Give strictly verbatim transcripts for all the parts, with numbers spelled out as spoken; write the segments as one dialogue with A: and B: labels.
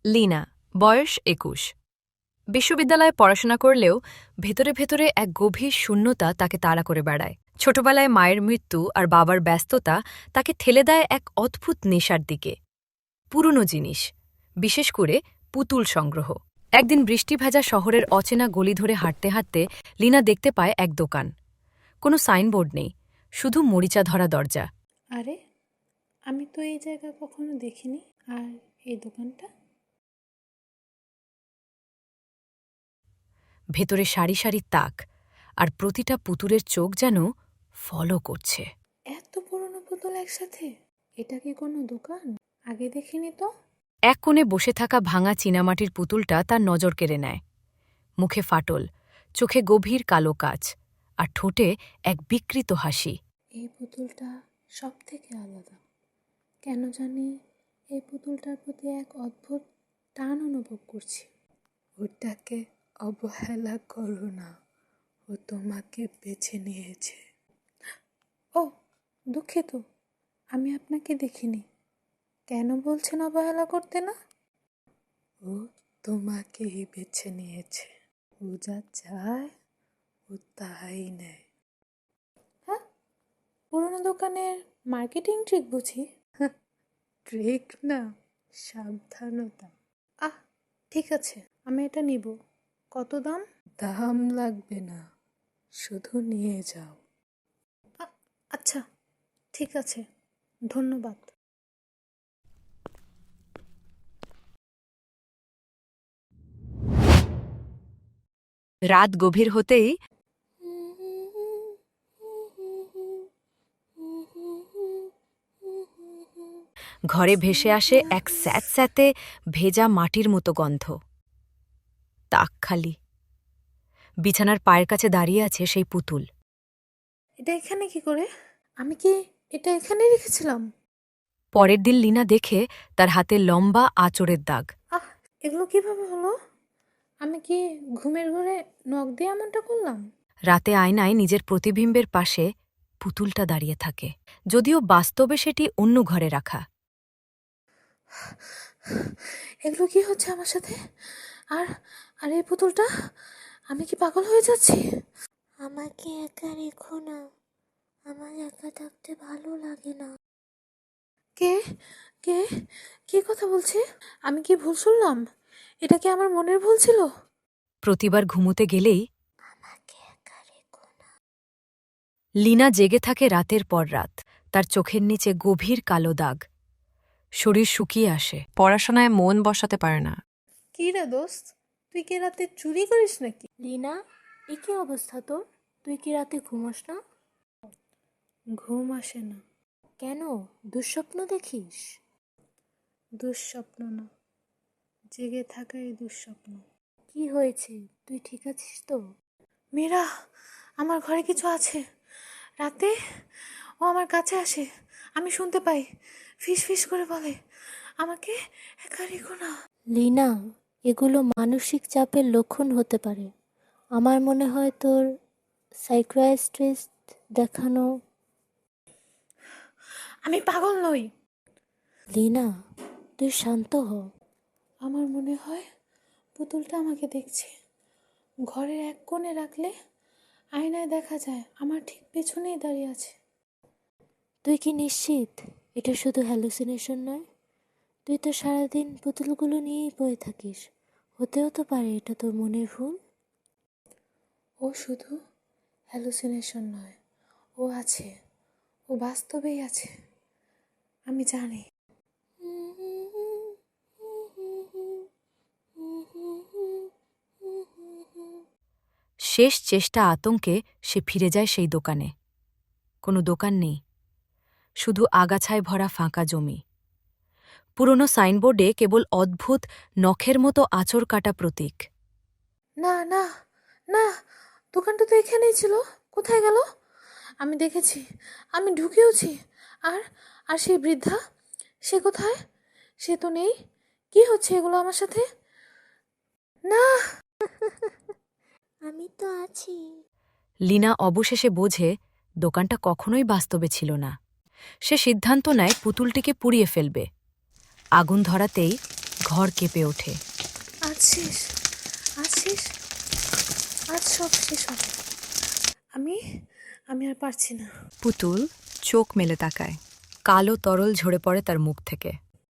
A: লীনা, বয়স একুশ। বিশ্ববিদ্যালয়ে পড়াশোনা করলেও ভেতরে ভেতরে এক গভীর শূন্যতা তাকে তাড়া করে বেড়ায়। ছোটবেলায় মায়ের মৃত্যু আর বাবার ব্যস্ততা তাকে ঠেলে দেয় এক অদ্ভুত নেশার দিকে। পুরনো জিনিস, বিশেষ করে পুতুল সংগ্রহ। একদিন বৃষ্টি ভেজা শহরের অচেনা গলি ধরে হাঁটতে হাঁটতে লীনা দেখতে পায় এক দোকান। কোনো সাইনবোর্ড নেই, শুধু মরিচা ধরা দরজা।
B: আরে, আমি তো এই জায়গা কখনো দেখিনি। আর এই দোকানটা?
A: ভেতরে সারি সারি তাক, আর প্রতিটা পুতুলের চোখ যেন ফলো করছে।
B: এত পুরনো পুতুল একসাথে? এটা কি কোনো দোকান? আগে দেখিনি তো।
A: এক কোণে বসে থাকা ভাঙা চীনামাটির পুতুলটা তার নজর কেড়ে নেয়। মুখে ফাটল, চোখে গভীর কালো কাচ, আর ঠোঁটে এক বিকৃত হাসি।
B: এই পুতুলটা সব থেকে আলাদা। কেন জানি এই পুতুলটার প্রতি এক অদ্ভুত টান অনুভব করছি। ওটাকে অবহেলা করো না, ও তোমাকে বেছে নিয়েছে। ও, দুঃখিত, আমি আপনাকে দেখিনি। কেন বলছেন অবহেলা করতে না? ও তোমাকেই বেছে নিয়েছে। ও যা চায় ও তাই নেয়। হ্যাঁ, পুরোনো দোকানের মার্কেটিং ট্রিক বুঝি? ট্রিক না, সাবধানতা। আহ, ঠিক আছে, আমি এটা নিব। কত দাম? দাম লাগবে না, শুধু নিয়ে যাও। আচ্ছা, ঠিক আছে, ধন্যবাদ।
A: রাত গভীর হতেই ঘরে ভেসে আসে এক স্যাঁতস্যাঁতে ভেজা মাটির মতো গন্ধ। তাক খালি। বিছানার পায়ের কাছে দাঁড়িয়ে আছে সেই পুতুল।
B: এটা এখানে কি করে? আমি কি এটা এখানে রেখেছিলাম?
A: পরের দিন লীনা দেখে তার হাতে লম্বা আঁচড়ের দাগ।
B: আহ, এগুলো কিভাবে হলো? আমি কি ঘুমের ঘরে নখ দিয়ে এমনটা করলাম?
A: রাতে আয়নায় নিজের প্রতিবিম্বের পাশে পুতুলটা দাঁড়িয়ে থাকে, যদিও বাস্তবে সেটি অন্য ঘরে রাখা।
B: এগুলো কি হচ্ছে আমার সাথে? আর আর এই পুতুলটা, আমি কি পাগল হয়ে যাচ্ছি?
C: আমাকে একা রেখো না, আমার একা থাকতে ভালো লাগে না।
B: কে কে কি কথা বলছে? আমি কি ভুল শুনলাম? এটা কি আমার মনের ভুল ছিল?
A: প্রতিবার ঘুমোতে গেলেই
C: আমাকে একা রেখো না।
A: লীনা জেগে থাকে রাতের পর রাত, তার চোখের নিচে গভীর কালো দাগ। শরীর শুকিয়ে আসে, পড়াশোনায় মন বসাতে পারে না।
B: কি রে দোস্ত, তুই কি রাতে চুরি করিস নাকি?
C: লীনা, এ কি অবস্থা তোর? তুই কি রাতে ঘুমোস না?
B: ঘুম আসে না।
C: কেন, দুঃস্বপ্ন দেখিস?
B: দুঃস্বপ্ন না, জেগে থাকাই দুঃস্বপ্ন।
C: কি হয়েছে, তুই ঠিক আছিস তো?
B: মীরা, আমার ঘরে কিছু আছে। রাতে ও আমার কাছে আসে, আমি শুনতে পাই, ফিস ফিস করে বলে, আমাকে একা রেখো না।
C: লীনা, এগুলো মানসিক চাপের লক্ষণ হতে পারে। আমার মনে হয় তোর সাইকিয়াট্রিস্ট দেখানো।
B: আমি পাগল নই।
C: লীনা, তুই শান্ত হ।
B: আমার মনে হয় পুতুলটা আমাকে দেখছে। ঘরের এক কোণে রাখলে আয়নায় দেখা যায় আমার ঠিক পেছনেই দাঁড়িয়ে আছে।
C: তুই কি নিশ্চিত এটা শুধু হ্যালুসিনেশন নয়? তুই তো সারাদিন পুতুলগুলো নিয়েই পড়ে থাকিস। হতেও তো পারে এটা তোর মনের ভুল।
B: ও শুধু হ্যালুসিনেশন নয়, ও আছে, ও বাস্তবেই আছে, আমি জানি।
A: শেষ চেষ্টা আতঙ্কে সে ফিরে যায় সেই দোকানে। কোনো দোকান নেই, শুধু আগাছায় ভরা ফাঁকা জমি। পুরনো সাইনবোর্ডে কেবল অদ্ভুত নখের মতো আঁচড় কাটা প্রতীক।
B: না না না, দোকানটা তো এখানেই ছিল, কোথায় গেল? আমি দেখেছি, আমি ঢুকেওছি। আর আর সেই বৃদ্ধা, সে কোথায়? সে তো নেই। কি হচ্ছে এগুলো আমার সাথে? না।
C: আমি তো আছি।
A: লীনা অবশেষে বোঝে দোকানটা কখনোই বাস্তবে ছিল না। সে সিদ্ধান্ত নেয় পুতুলটিকে পুড়িয়ে ফেলবে। আগুন ধরাতেই ঘর কেঁপে ওঠে।
B: আজ শেষ, আজ শেষ, আজ সব শেষ হবে। আমি আমি আর পারছি না।
A: পুতুল চোখ মেলে তাকায়। কালো তরল ঝরে পড়ে তার মুখ থেকে।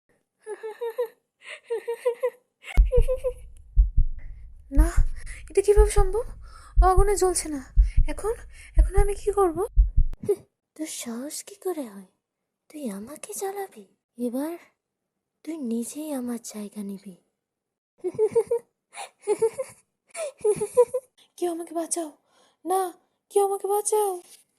B: না, এটা কিভাবে সম্ভব? ও আগুনে জ্বলছে না। এখন এখন আমি কি করব?
C: তোর সাহস কি করে হয়? তুই আমাকে জ্বালাবি? এবার তুই নিজেই আমার জায়গা নিবি।
B: কেউ আমাকে বাঁচাও, না, কেউ আমাকে বাঁচাও।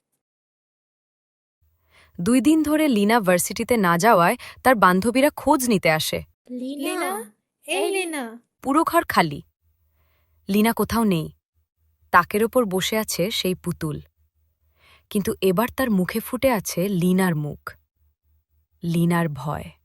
A: দুই দিন ধরে লিনা ভার্সিটিতে না যাওয়ায় তার বান্ধবীরা খোঁজ নিতে আসে।
B: লিনা, এই লিনা।
A: পুরো ঘর খালি। লিনা কোথাও নেই। তাকের ওপর বসে আছে সেই পুতুল, কিন্তু এবার তার মুখে ফুটে আছে লিনার মুখ, লিনার ভয়।